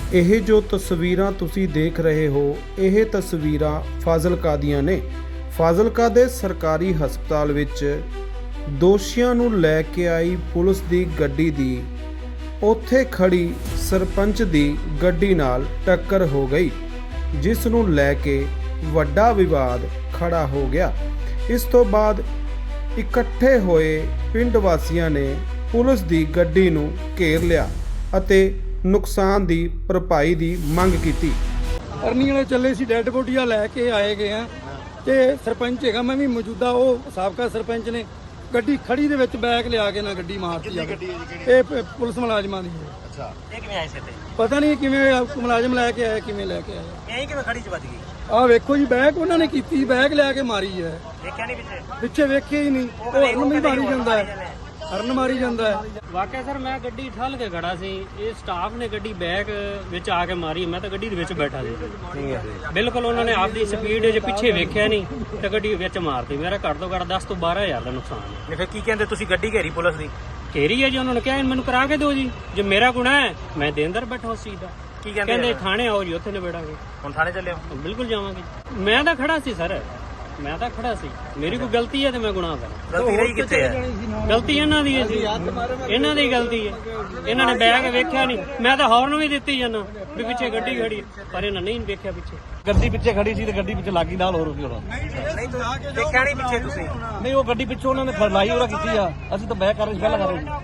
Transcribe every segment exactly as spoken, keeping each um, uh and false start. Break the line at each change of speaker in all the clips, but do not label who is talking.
ਇਹ ਜੋ ਤਸਵੀਰਾਂ ਤੁਸੀਂ ਦੇਖ ਰਹੇ ਹੋ, ਇਹ ਤਸਵੀਰਾਂ ਫਾਜ਼ਿਲਕਾ ਦੀਆਂ ਨੇ। ਫਾਜ਼ਿਲਕਾ ਦੇ ਸਰਕਾਰੀ ਹਸਪਤਾਲ ਵਿੱਚ ਦੋਸ਼ੀਆਂ ਨੂੰ ਲੈ ਕੇ ਆਈ ਪੁਲਿਸ ਦੀ ਗੱਡੀ ਦੀ ਉੱਥੇ ਖੜੀ ਸਰਪੰਚ ਦੀ ਗੱਡੀ ਨਾਲ ਟੱਕਰ ਹੋ ਗਈ, ਜਿਸ ਨੂੰ ਲੈ ਕੇ ਵੱਡਾ ਵਿਵਾਦ ਖੜਾ ਹੋ ਗਿਆ। ਇਸ ਤੋਂ ਬਾਅਦ ਇਕੱਠੇ ਹੋਏ ਪਿੰਡ ਵਾਸੀਆਂ ਨੇ ਪੁਲਿਸ ਦੀ ਗੱਡੀ ਨੂੰ ਘੇਰ ਲਿਆ ਅਤੇ ਨੁਕਸਾਨ ਦੀ ਭਰਪਾਈ ਦੀ ਮੰਗ ਕੀਤੀ।
ਅਰਨੀ ਵਾਲੇ ਚੱਲੇ ਸੀ, ਡੈੱਡ ਬੋਡੀਆਂ ਲੈ ਕੇ ਆਏ ਗਏ ਆ ਤੇ ਸਰਪੰਚ ਹੈਗਾ, ਮੈਂ ਵੀ ਮੌਜੂਦਾ, ਉਹ ਸਾਬਕਾ ਸਰਪੰਚ ਨੇ ਗੱਡੀ ਖੜੀ ਦੇ ਵਿੱਚ ਬੈਗ ਲਿਆ ਕੇ ਨਾ ਗੱਡੀ ਮਾਰਤੀ ਆ। ਇਹ ਪ- ਪੁਲਿਸ ਮੁਲਾਜ਼ਮਾਂ ਦੀ ਹੈ।
ਅੱਛਾ, ਇਹ ਕਿਵੇਂ ਆਏ ਸੀ ਤੇ?
ਪਤਾ ਨਹੀਂ ਕਿਵੇਂ ਮੁਲਾਜ਼ਮ ਲੈ ਕੇ ਆਏ, ਕਿਵੇਂ ਲੈ ਕੇ ਆਏ।
ਇਹ ਕਿਵੇਂ ਖੜੀ ਚ ਵੱਜ ਗਈ?
ਆਹ ਵੇਖੋ ਜੀ, ਬੈਗ ਉਹਨਾਂ ਨੇ ਕੀਤੀ, ਬੈਗ ਲਿਆ ਕੇ ਮਾਰੀ ਹੈ।
ਦੇਖਿਆ ਨਹੀਂ ਪਿੱਛੇ?
ਪਿੱਛੇ ਵੇਖਿਆ ਹੀ ਨਹੀਂ, ਉਹ ਹਰਨ ਵੀ ਮਾਰੀ ਜਾਂਦਾ ਹੈ, ਹਰਨ ਮਾਰੀ ਜਾਂਦਾ ਹੈ।
ਵਾਕਿਆ ਸਰ ਮੈਂ ਗੱਡੀ ਠੱਲ ਕੇ ਖੜਾ ਸੀ, ਇਹ ਸਟਾਫ ਨੇ ਗੱਡੀ ਬੈਕ ਵਿੱਚ ਆ ਕੇ ਮਾਰੀ। ਮੈਂ ਤਾਂ ਗੱਡੀ ਦੇ ਵਿੱਚ ਬੈਠਾ ਸੀ, ਬਿਲਕੁਲ ਉਹਨਾਂ ਨੇ ਆਪਦੀ ਸਪੀਡ 'ਚ ਪਿੱਛੇ ਵੇਖਿਆ ਨਹੀਂ ਤੇ ਗੱਡੀ ਵਿੱਚ ਮਾਰਤੀ। ਮੇਰਾ ਘੱਟ ਤੋਂ ਘੱਟ ਦਸ ਤੋਂ ਬਾਰਾਂ ਹਜ਼ਾਰ ਦਾ ਨੁਕਸਾਨ ਹੈ।
ਨਹੀਂ ਫਿਰ ਕੀ ਕਹਿੰਦੇ ਤੁਸੀਂ? ਗੱਡੀ ਘੇਰੀ ਪੁਲਿਸ ਦੀ?
ਘੇਰੀ ਹੈ ਜੀ, ਉਹਨਾਂ ਨੇ ਕਿਹਾ ਮੈਨੂੰ ਕਰਾ ਕੇ ਦਿਓ ਜੀ, ਜੇ ਮੇਰਾ ਗੁਨਾਹ ਹੈ ਮੈਂ ਦੇ ਅੰਦਰ ਬੈਠਾ ਉਸ ਚੀਜ਼ ਦਾ।
ਕੀ ਕਹਿੰਦੇ?
ਕਹਿੰਦੇ ਥਾਣੇ ਆਓ ਜੀ, ਉੱਥੇ ਨਿਬੇੜਾਂਗੇ।
ਹੁਣ ਥਾਣੇ ਚੱਲੇ ਹੋ?
ਬਿਲਕੁਲ ਜਾਵਾਂਗੇ। ਮੈਂ ਤਾਂ ਖੜਾ ਸੀ ਸਰ, ਮੈਂ ਤਾਂ ਖੜਾ ਸੀ, ਮੇਰੀ ਕੋਈ ਗਲਤੀ ਹੈ ਤੇ ਮੈਂ ਗੁਨਾਹ ਕਰਾਂ।
ਗਲਤੀ ਰਹੀ ਕਿੱਥੇ ਹੈ?
ਗਲਤੀ ਇਹਨਾਂ ਦੀ ਹੈ ਜੀ, ਇਹਨਾਂ ਦੀ ਗਲਤੀ ਹੈ। ਇਹਨਾਂ ਨੇ ਬੈਗ ਵੇਖਿਆ ਨਹੀਂ, ਮੈਂ ਤਾਂ ਹੌਰਨ ਵੀ ਦਿੱਤੀ ਜਾਂਦਾ ਵੀ ਪਿੱਛੇ ਗੱਡੀ ਖੜੀ, ਪਰ ਇਹਨਾਂ ਨਹੀਂ ਵੇਖਿਆ ਪਿੱਛੇ।
ਗੱਡੀ ਪਿੱਛੇ ਖੜੀ ਸੀ ਤੇ ਗੱਡੀ ਪਿੱਛੇ ਲੱਗੀ ਨਾਲ, ਹੋਰ ਕੀ ਹੋਣਾ?
ਨਹੀਂ ਤੂੰ ਦੇਖਿਆ ਨਹੀਂ ਪਿੱਛੇ ਤੁਸੀਂ?
ਨਹੀਂ, ਉਹ ਗੱਡੀ ਪਿੱਛੋਂ ਉਹਨਾਂ ਨੇ ਫਲਾਈ ਉਹਰਾ ਕੀਤੀ ਆ, ਅਸੀਂ ਤਾਂ ਬੈਕ ਕਰ ਰਹੇ ਸੀ, ਪਹਿਲਾਂ ਕਰ ਰਹੇ ਸੀ।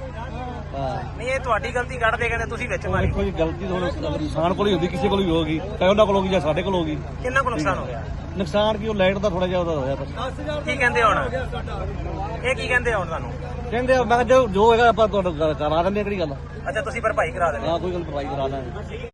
ਹਾਂ,
ਨਹੀਂ ਇਹ ਤੁਹਾਡੀ ਗਲਤੀ ਕੱਢਦੇ ਕਹਿੰਦੇ ਤੁਸੀਂ ਵਿੱਚ ਮਾਰੀ।
ਦੇਖੋ ਜੀ, ਗਲਤੀ ਤਾਂ ਹੁਣ ਇਨਸਾਨ ਕੋਲ ਹੀ ਹੁੰਦੀ, ਕਿਸੇ ਕੋਲ ਵੀ ਹੋਗੀ, ਚਾਹੇ ਉਹਨਾਂ ਕੋਲ ਹੋਗੀ ਜਾਂ ਸਾਡੇ ਕੋਲ ਹੋਗੀ।
ਕਿੰਨਾ ਕੁ ਨੁਕਸਾਨ ਹੋ ਗਿਆ?
ਨੁਕਸਾਨ ਕੀ, ਉਹ ਲਾਈਟ ਦਾ ਥੋੜਾ ਜਿਹਾ ਉਹਦਾ ਹੋਇਆ ਬਸ।
ਕੀ ਕਹਿੰਦੇ ਹੁਣ ਇਹ? ਕੀ ਕਹਿੰਦੇ ਹੁਣ ਤੁਹਾਨੂੰ?
ਕਹਿੰਦੇ ਆ, ਮੈਂ ਕਿਹਾ ਜੋ ਜੋ ਹੈਗਾ ਆਪਾਂ ਤੁਹਾਨੂੰ ਕਰਾ ਦਿੰਦੇ ਆ, ਕਿਹੜੀ ਗੱਲ ਆ।
ਅੱਛਾ, ਤੁਸੀਂ ਭਰਪਾਈ ਕਰਾ ਦੇਣੀ?
ਹਾਂ, ਕੋਈ ਗੱਲ ਭਰਵਾਈ ਕਰਾ ਦਾਂਗੇ।